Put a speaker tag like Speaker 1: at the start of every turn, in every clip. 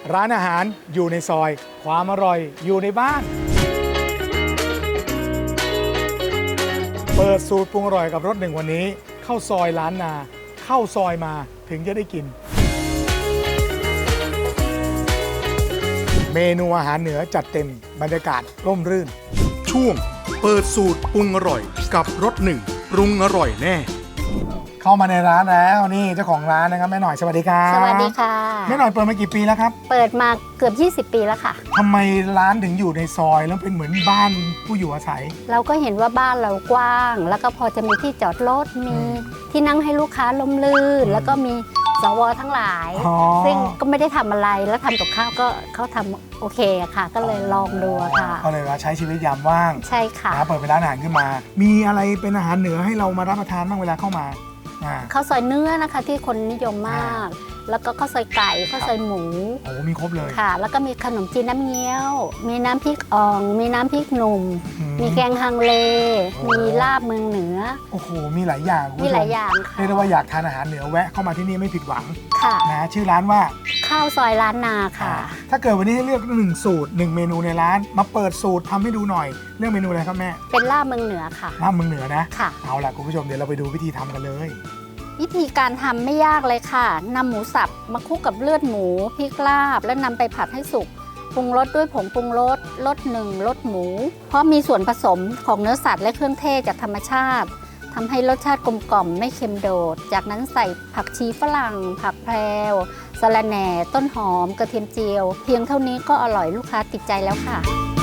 Speaker 1: ร้านอาหารอยู่ในซอยความอร่อยอยู่ในบ้านเปิดสูตรปรุงอร่อยกับรสหนึ่งวันนี้เข้าซอยล้านนาเข้าซอยมาถึงจะได้กินเมนูอาหารเหนือจัดเต็มบรรยากาศร่มรื่นช่วงเปิดสูตรปรุงอร่อยกับรสหนึ่งปรุงอร่อยแน่เข้ามาในร้านแล้วนี่เจ้าของร้านนะครับแม่หน่อยสวัสดีครับ
Speaker 2: สวัสดีค่ะ
Speaker 1: แม่หน่อยเปิดมากี่ปีแล้วครับ
Speaker 2: เปิดมาเกือบ20 ปีแล้วค่ะ
Speaker 1: ทำไมร้านถึงอยู่ในซอยแล้วเป็นเหมือนบ้านผู้อยู่อาศัย
Speaker 2: เราก็เห็นว่าบ้านเรากว้างแล้วก็พอจะมีที่จอดรถมีที่นั่งให้ลูกค้าล้มลื่นแล้วก็มีสวทั้งหลายซึ่งก็ไม่ได้ทำอะไรแล้วทำกับข้าวก็เขาทำโอเคอะค่ะก็เลยลองดูค่ะ
Speaker 1: ก็เลยว่าใช้ชีวิตยามว่าง
Speaker 2: ใช่ค่ะ
Speaker 1: เปิดเป็นร้านอาหารขึ้นมามีอะไรเป็นอาหารเหนือให้เรามารับประทานบ้างเวลาเข้ามา
Speaker 2: ข้าวซอยเนื้อนะคะที่คนนิยมมากแล้วก็ข้าวซอยไก่ข้าวซอยหมู
Speaker 1: โอ้มีครบเลย
Speaker 2: ค่ะแล้วก็มีขนมจีนน้ำเงี้ยวมีน้ำพริกอ่องมีน้ำพริกหนุ่มมีแกงฮังเลมีลาบเมืองเหนือ
Speaker 1: โอ้โหมีหลายอย่าง
Speaker 2: มีหลายอย่างค่ะ
Speaker 1: เรียกได้ว่าอยากทานอาหารเหนือแวะเข้ามาที่นี่ไม่ผิดหวัง
Speaker 2: ค่ะ
Speaker 1: นะชื่อร้านว่า
Speaker 2: ข้าวซอยล้านนาค่ะ
Speaker 1: ถ้าเกิดวันนี้ให้เลือก1สูตร1เมนูในร้านมาเปิดสูตรทำให้ดูหน่อยเรื่องเมนูอะไรครับแม่
Speaker 2: เป็นลาบเมืองเหนือค่ะ
Speaker 1: ลาบเมืองเหนือนะ
Speaker 2: ค่ะ
Speaker 1: เอาล่ะคุณผู้ชมเดี๋ยวเราไปดูวิธีทำกันเลย
Speaker 2: วิธีการทำไม่ยากเลยค่ะนำหมูสับมาคลุกกับเลือดหมูพริกลาบและนำไปผัดให้สุกปรุงรสด้วยผงปรุงรสรสหนึ่งรสหมูเพราะมีส่วนผสมของเนื้อสัตว์และเครื่องเทศจากธรรมชาติทำให้รสชาติกลมกล่อมไม่เค็มโดดจากนั้นใส่ผักชีฝรั่งผักแพรวสะระแหน่ต้นหอมกระเทียมเจียวเพียงเท่านี้ก็อร่อยลูกค้าติดใจแล้วค่ะ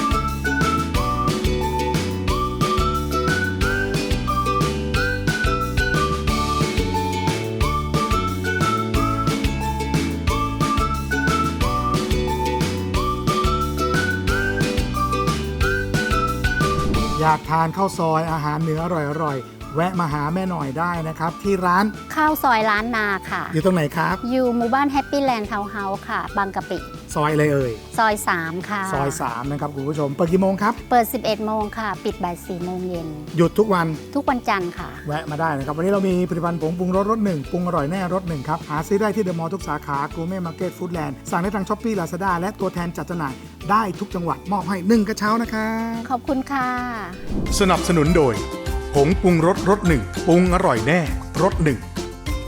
Speaker 1: อยากทานข้าวซอยอาหารเหนืออร่อยๆแวะมาหาแม่หน่อยได้นะครับที่ร้าน
Speaker 2: ข้าวซอยล้านนาค่ะ
Speaker 1: อยู่ตรงไหนครับ
Speaker 2: อยู่หมู่บ้านแฮปปี้แลนด์ทาวน์เฮาส์ค่ะบางกะปิ
Speaker 1: ซอยอะไรเอ่ย
Speaker 2: ซอย3ค่ะ
Speaker 1: ซอย3นะครับคุณผู้ชมเปิดกี่โมงครับ
Speaker 2: เปิด 11 โมงค่ะปิดบ่าย 4 โมงเย็น
Speaker 1: หยุดทุกวัน
Speaker 2: จันทร์ค่ะ
Speaker 1: แวะมาได้นะครับวันนี้เรามีผลิตภัณฑ์ผงปรุงรสรสหนึ่งปรุงอร่อยแน่รสหนึ่งครับหาซื้อได้ที่เดอะมอลล์ทุกสาขากูเม่มาร์เก็ตฟู้ดแลนด์สั่งได้ทางช้อปปี้ลาซาด้าและตัวแทนจัดจำหน่ายได้ทุกจังหวัดมอบให้1กระเช้านะครับ
Speaker 2: ขอบคุณค่ะ
Speaker 1: สนับสนุนโดยผงปรุงรสรสหนึ่งปรุงอร่อยแน่รสหนึ่ง